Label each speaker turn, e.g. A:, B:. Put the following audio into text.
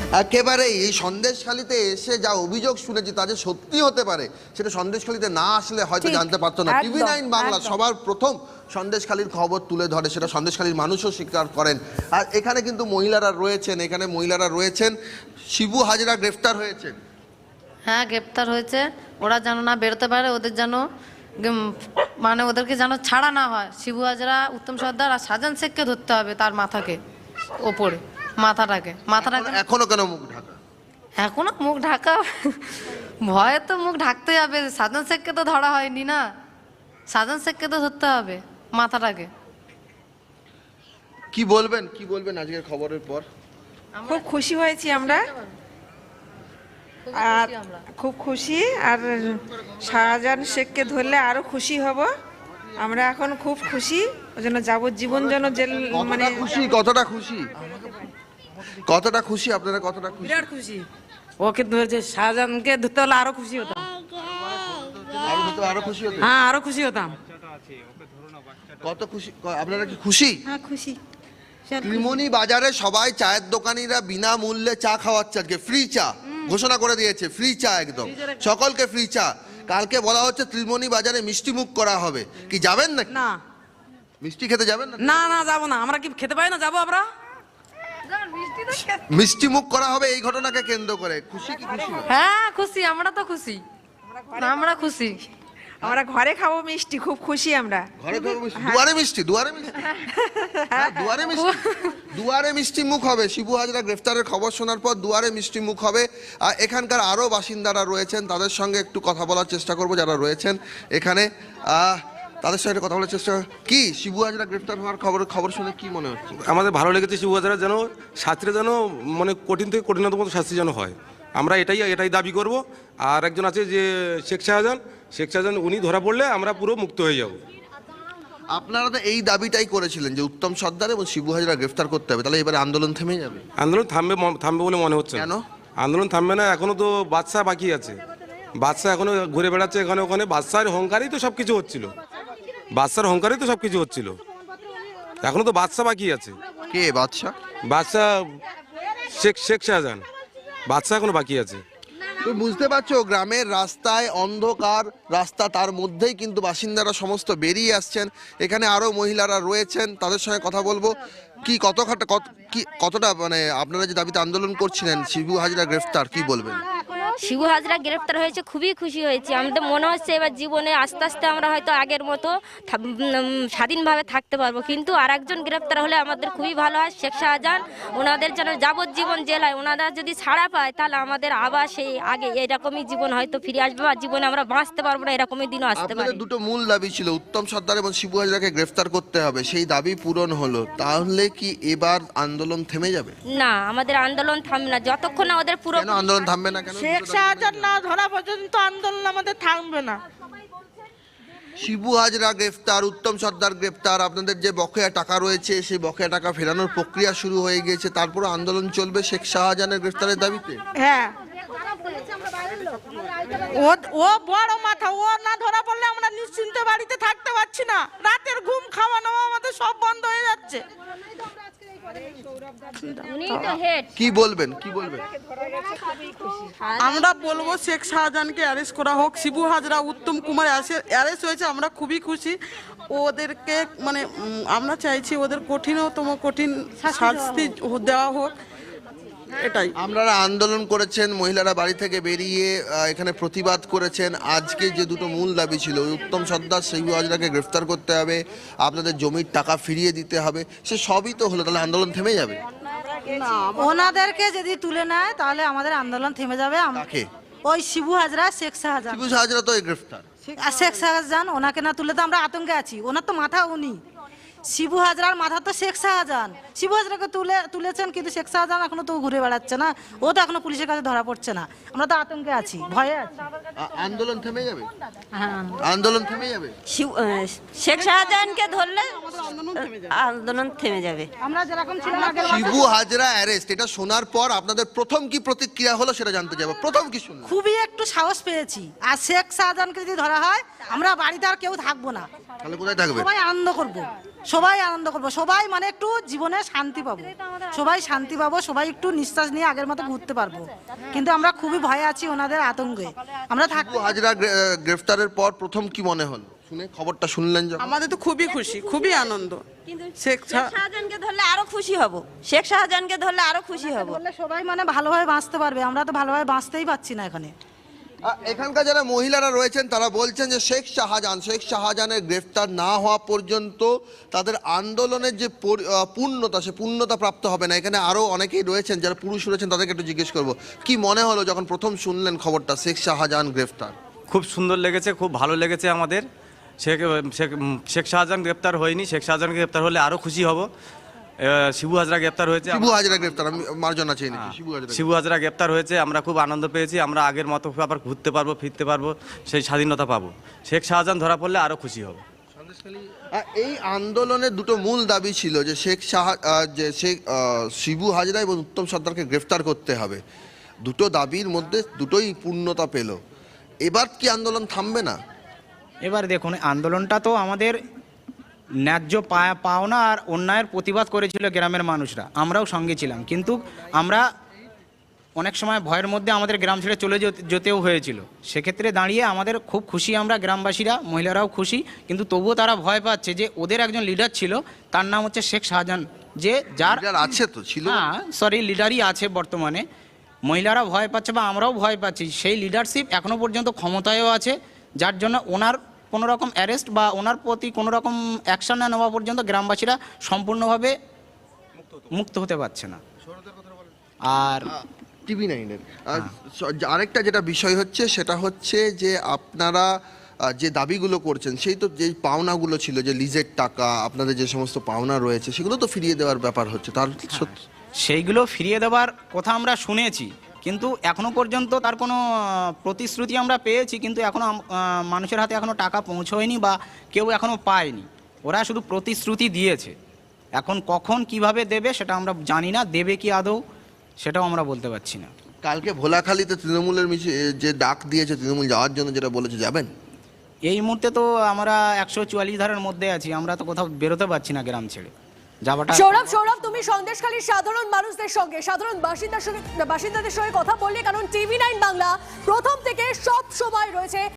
A: একেবারেই এই সন্দেশখালিতে এসে যা অভিযোগ শুনেছি তা যে সত্যি হতে পারে সেটা সন্দেশখালিতে না আসলে হয়তো জানতে পারতো না। TV9 বাংলা সবার প্রথম সন্দেশখালির খবর তুলে ধরে, সেটা সন্দেশখালির মানুষও স্বীকার করেন। আর এখানে কিন্তু মহিলারা রয়েছেন। শিবু হাজরা গ্রেফতার হয়েছেন।
B: হ্যাঁ, গ্রেপ্তার হয়েছে। ওরা যেন না বেরোতে পারে, ওদের যেন মানে ওদেরকে যেন ছাড়া না হয়। শিবু হাজরা, উত্তম সর্দার আর শাহজাহান শেখকে ধরতে হবে, তার মাথাকে ওপরে, মাথাটাকে।
A: এখনো কেন মুখ ঢাকা?
B: এখনো মুখ ঢাকা, ভয়ে তো মুখ ঢাকতে হবে। শাহজাহান শেখকে তো ধরা হয়নি না, শাহজাহান শেখকে তো ধরতে হবে, মাথাটাকে।
A: কি বলবেন আজকের খবরের পর?
C: খুব খুশি হয়েছি আমরা, আর খুব খুশি। আর শাহজাহান শেখকে ধরলে আরো খুশি হব আমরা। এখন খুব খুশি, ওই জন্য যাবজ্জীবন যেন জেল, মানে
A: কতটা খুশি আপনারা? কতটা খুশি?
D: বিরাট খুশি। ওকে ধরেছে, শাহজাহানকে ধরতে হলে আরো খুশি হতাম।
A: আরো খুশি হতেন?
D: হ্যাঁ, আরো খুশি হতাম।
A: কত খুশি আপনারা? কি খুশি?
C: হ্যাঁ, খুশি।
A: ত্রিমণি বাজারে সবাই চায়ের দোকানিরা বিনামূল্যে চা খাওয়াচ্ছে, আজকে ফ্রি চা ঘোষণা করে দিয়েছে। ফ্রি চা, একদম সকলকে ফ্রি চা। কালকে বলা হচ্ছে ত্রিমণি বাজারে মিষ্টি মুখ করা হবে, কি যাবেন নাকি?
D: না,
A: মিষ্টি খেতে যাবেন না?
D: না না, যাবো না। আমরা কি খেতে পাই না? যাবো আমরা।
A: মিষ্টি মুখ করা হবে এই ঘটনাকে কেন্দ্র করে। খুশি কি খুশি না?
B: হ্যাঁ খুশি, আমরা তো খুশি, আমরা খুশি।
C: আমরা ঘরে খাবো মিষ্টি, খুব খুশি আমরা।
A: ঘরে খাবো মিষ্টি, দুয়ারে মিষ্টি, হ্যাঁ, দুয়ারে মিষ্টি মুখ হবে। শিবু হাজরা গ্রেফতারের খবর শোনার পর দুয়ারে মিষ্টি মুখ হবে। আর এখানকার আরো বাসিন্দারা রয়েছেন, তাদের সঙ্গে একটু কথা বলার চেষ্টা করব, যারা রয়েছেন এখানে তাদের সঙ্গে কথা বলার চেষ্টা। কি শিবু হাজরা গ্রেফতার হওয়ার খবর শুনে কি মনে হচ্ছে?
E: আমাদের ভালো লেগেছে। শিবু হাজরা যেন শাস্তিটা যেন মানে কঠিন থেকে কঠিনতম শাস্তি যেন হয়, আমরা এটাই দাবি করব। আর একজন আছে যে শেখ শাহজাহান, উনি ধরা পড়লে আমরা পুরো মুক্ত হয়ে যাব।
A: আপনারা তো এই দাবিটাই করেছিলেন যে উত্তম সর্দার এবং শিবু হাজরা গ্রেফতার করতে হবে, তাহলে এবারে আন্দোলন থেমে যাবে?
E: আন্দোলন থামবে বলে মনে হচ্ছে।
A: কেন
E: আন্দোলন থামবে না? এখনো তো বাদশা বাকি আছে। বাদশা এখনো ঘুরে বেড়াচ্ছে এখানে ওখানে। বাদশার অহংকারেই তো সবকিছু হচ্ছিল। এখনো তো বাদশা বাকি আছে।
A: কে বাদশা?
E: শেখ শাহজাহান, বাদশা এখনো বাকি আছে।
A: তুমি বুঝতে পারছো, গ্রামের রাস্তায় অন্ধকার রাস্তা, তার মধ্যেই কিন্তু বাসিন্দারা সমস্ত বেরিয়ে আসছেন। এখানে আরো মহিলারা রয়েছেন, তাদের সঙ্গে কথা বলবো। কতটা মানে আপনারা যে দাবিতে আন্দোলন করছিলেন শিবু হাজরা গ্রেফতার, কি বলবেন?
F: শিবু হাজরা গ্রেফতার হয়েছে, খুবই খুশি হয়েছি। আমাদের মনে হচ্ছে এবার জীবনে আস্তে আস্তে আমরা হয়তো আগের মতো স্বাধীনভাবে থাকতে পারবো। কিন্তু আর একজন গ্রেফতার হলে আমাদের খুবই ভালো হয়। শেখ শাহজাহান, ওনাদের যেন যাবজ্জীবন জেলায়, ওনারা যদি ছাড়া পায় তাহলে আমাদের আবার সেই আগে এরকমই জীবন হয়তো ফিরে আসবে, আর জীবনে আমরা বাঁচতে পারবো না, এরকমই দিনও আসতে পারে।
A: দুটো মূল দাবি ছিল, উত্তম সর্দার এবং শিবু হাজরাকে গ্রেফতার করতে হবে, সেই দাবি পূরণ হলো। তাহলে কি এবার আন্দোলন থেমে যাবে?
F: না, আমাদের আন্দোলন থামবে না যতক্ষণ না ওদের পুরো।
A: কেন আন্দোলন থামবে না? কেন?
G: শেখ শাহজাহান না ধরা পর্যন্ত আন্দোলন আমাদের থামবে না।
A: শিবু হাজরা গ্রেফতার, উত্তম সর্দার গ্রেফতার, আপনাদের যে বকেয়া টাকা রয়েছে সেই বকেয়া টাকা ফেরানোর প্রক্রিয়া শুরু হয়ে গিয়েছে, তারপর আন্দোলন চলবে শেখ শাহজাহানের গ্রেফতারের দাবিতে।
G: হ্যাঁ, ও বড় মাথা, ও না ধরা পড়লে আমরা নিশ্চিন্তে বাড়িতে থাকতে পারছি না। রাতের ঘুম খাওয়া নাওয়া আমাদের সব বন্ধ হয়ে যাচ্ছে।
A: কি বলবেন?
G: আমরা বলবো শেখ শাহজাহানকে অ্যারেস্ট করা হোক। শিবু হাজরা, উত্তম কুমার অ্যারেস্ট হয়েছে, আমরা খুবই খুশি। ওদেরকে মানে আমরা চাইছি ওদের কঠিন শাস্তি দেওয়া হোক, এটাই।
A: আপনারা আন্দোলন করেছেন, মহিলারা বাড়ি থেকে বেরিয়ে এখানে প্রতিবাদ করেছেন। আজকে যে দুটো মূল দাবি ছিল, উত্তম সর্দার, শিবু হাজরাকে গ্রেফতার করতে হবে, আপনাদের জমির টাকা ফিরিয়ে দিতে হবে, সে সবই তো হলো, তাহলে আন্দোলন থেমে যাবে?
H: ওনাদেরকে যদি তুলে নেয় তাহলে আমাদের আন্দোলন থেমে যাবে। ওই শিবু হাজরা, শেখ শাহজাহান।
A: শিবু হাজরা তো গ্রেফতার,
H: আর শেখ শাহজাহান, ওনাকে না তুলে তো আমরা আতঙ্কে আছি। ওনার তো মাথা উনি, শিবু হাজরার মাথা তো শেখ শাহজাহান। শিবু হাজরাকে তুলেছেন, কিন্তু শেখ শাহজাহান এখনো তো ঘুরে বেড়াচ্ছে না, ও তো এখনো পুলিশের কাছে ধরা পড়ছে না। আমরা তো আতঙ্কে আছি, ভয়ে আছি।
A: আন্দোলন থেমে যাবে?
F: হ্যাঁ,
A: আন্দোলন থেমে যাবে।
F: শেখ শাহজাহানকে ধরলে আন্দোলন থেমে যাবে।
H: আমরা যেরকম ছিলাম আগে।
A: শিবু হাজরা অ্যারেস্ট, এটা শোনার পর আপনাদের প্রথম কি প্রতিক্রিয়া হলো সেটা জানতে যাবো। প্রথম কি শুনলেন?
H: খুবই একটু সাহস পেয়েছি। আর শেখ শাহজাহানকে যদি ধরা হয় আমরা বাড়িতে আর কেউ থাকবো না,
A: তাহলে কোথায় থাকবে?
H: সবাই আনন্দ করবো। সবাই আনন্দ করবো, সবাই মানে একটু জীবনে শান্তি পাবো, সবাই শান্তি পাবো, সবাই একটু নিঃশ্বাস নিয়ে আগের মতো ঘুরতে পারবো। কিন্তু আমরা খুবই ভয়ে আছি ওনাদের আতঙ্কে আমরা থাকি।
A: শিবু হাজরা গ্রেফতারের পর প্রথম কি মনে হলো শুনে, খবরটা শুনলেন যখন?
G: আমাদের তো খুবই খুশি, খুবই আনন্দ। শেখ
I: শাহজাহানকে ধরলে আরো খুশি হব, শেখ শাহজাহানকে ধরলে আরো খুশি হব।
H: বললে সবাই মানে ভালোভাবে বাঁচতে পারবে, আমরা তো ভালোভাবে বাঁচতেই পারছি না এখানে।
A: এখানকার যারা মহিলারা রয়েছেন তারা বলছেন যে শেখ শাহজাহানের গ্রেফতার না হওয়া পর্যন্ত তাদের আন্দোলনের যে পূর্ণতা, সে পূর্ণতা প্রাপ্ত হবে না। এখানে আরো অনেকেই রয়েছেন যারা পুরুষ রয়েছেন, তাদেরকে একটু জিজ্ঞেস করবো কি মনে হলো যখন প্রথম শুনলেন খবরটা শেখ শাহজাহান গ্রেফতার?
J: খুব সুন্দর লেগেছে, খুব ভালো লেগেছে আমাদের। শেখ শাহজাহান গ্রেপ্তার হয়নি, শেখ শাহজাহান গ্রেপ্তার হলে আরও খুশি হব। শিবু হাজরা গ্রেপ্তার হয়েছে,
A: শিবু হাজরা গ্রেফতার, আমি মার্জনা চাই নাকি?
J: শিবু হাজরা গ্রেপ্তার হয়েছে, আমরা খুব আনন্দ পেয়েছি। আমরা আগের মতো আবার ঘুরতে পারবো, ফিরতে পারবো, সেই স্বাধীনতা পাবো। শেখ শাহজাহান ধরা পড়লে আরও খুশি হব।
A: এই আন্দোলনের দুটো মূল দাবি ছিল যে শিবু হাজরা এবং উত্তম সর্দারকে গ্রেফতার করতে হবে। দুটো দাবির মধ্যে দুটোই পূর্ণতা পেল। এবার কি আন্দোলন থামবে না?
K: এবার দেখুন, আন্দোলনটা তো আমাদের ন্যায্য পাওনা আর অন্যায়ের প্রতিবাদ করেছিল গ্রামের মানুষরা, আমরাও সঙ্গে ছিলাম। কিন্তু আমরা অনেক সময় ভয়ের মধ্যে আমাদের গ্রাম ছেড়ে চলে যেতেও হয়েছিল। সেক্ষেত্রে দাঁড়িয়ে আমাদের খুব খুশি, আমরা গ্রামবাসীরা, মহিলারাও খুশি। কিন্তু তবুও তারা ভয় পাচ্ছে যে ওদের একজন লিডার ছিল, তার নাম হচ্ছে শেখ শাহজাহান, যে যার
A: আছে তো ছিল,
K: লিডারই আছে বর্তমানে। মহিলারা ভয় পাচ্ছে বা আমরাও ভয় পাচ্ছি। সেই লিডারশিপ এখনো পর্যন্ত ক্ষমতায়ও আছে, যার জন্য ওনার কোনো রকম অ্যারেস্ট বা ওনার প্রতি কোনো রকম অ্যাকশন না নেওয়া পর্যন্ত গ্রামবাসীরা সম্পূর্ণভাবে মুক্ত হতে পারছে না। আর
A: টিভি নাইনের আরেকটা যেটা বিষয় হচ্ছে সেটা হচ্ছে যে আপনারা যে দাবিগুলো করছেন, সেই তো যেই পাওনাগুলো ছিল, যে লিজের টাকা, আপনাদের যে সমস্ত পাওনা রয়েছে, সেগুলো তো ফিরিয়ে দেওয়ার ব্যাপার হচ্ছে। তার
K: সেইগুলো ফিরিয়ে দেওয়ার কথা আমরা শুনেছি, কিন্তু এখনো পর্যন্ত তার কোনো প্রতিশ্রুতি আমরা পেয়েছি, কিন্তু এখনো মানুষের হাতে এখনো টাকা পৌঁছয়নি বা কেউ এখনো পায়নি। ওরা শুধু প্রতিশ্রুতি দিয়েছে, এখন কখন কিভাবে দেবে সেটা আমরা জানি না। দেবে কি আদৌ সেটাও আমরা বলতে পারছি না।
A: কালকে ভোলাখালীতে তৃণমূলের যে ডাক দিয়েছে, তৃণমূল যাওয়ার জন্য যেটা বলেছে, যাবেন?
K: এই মুহূর্তে তো আমরা 144 ধারার মধ্যে আছি, আমরা তো কোথাও বেরোতে পারছি না গ্রাম ছেড়ে যাওয়াটা।
L: সৌরভ, তুমি সন্দেশখালীর সাধারণ মানুষদের সঙ্গে, সাধারণ বাসিন্দাদের সঙ্গে কথা বললে, কারণ TV9 বাংলা প্রথম থেকে সব সময় রয়েছে